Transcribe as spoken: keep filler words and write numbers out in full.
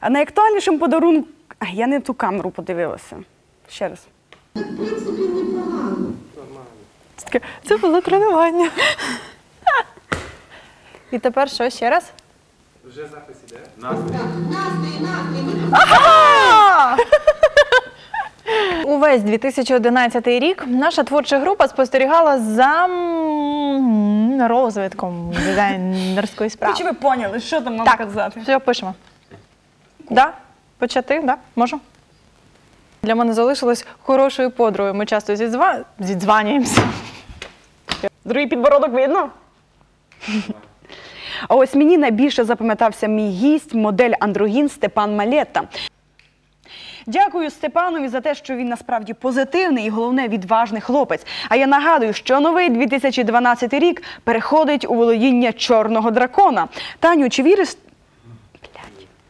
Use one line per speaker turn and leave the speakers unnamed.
А найактуальнішим подарунком... А, я не ту камеру подивилася. Ще раз.
В принципі, непогано.
Це було тренування. І тепер що, ще раз?
Вже запис іде. Настрій.
Настрій, настрій.
Ага! Увесь дві тисячі одинадцятий рік наша творча група спостерігала за м, розвитком дизайнерської справи.
Чи ви поняли, що там нам
Так,
казати?
все, пишемо. Да? Почати? Да? Можу? Для мене залишилось хорошою подругою. Ми часто зідзва... зідзванюємося.
Другий підбородок видно? А ось мені найбільше запам'ятався мій гість, модель андрогін Степан Малета. Дякую Степанові за те, що він насправді позитивний і, головне, відважний хлопець. А я нагадую, що новий дві тисячі дванадцятий рік переходить у володіння чорного дракона. Таню, чи віриш... Блядь.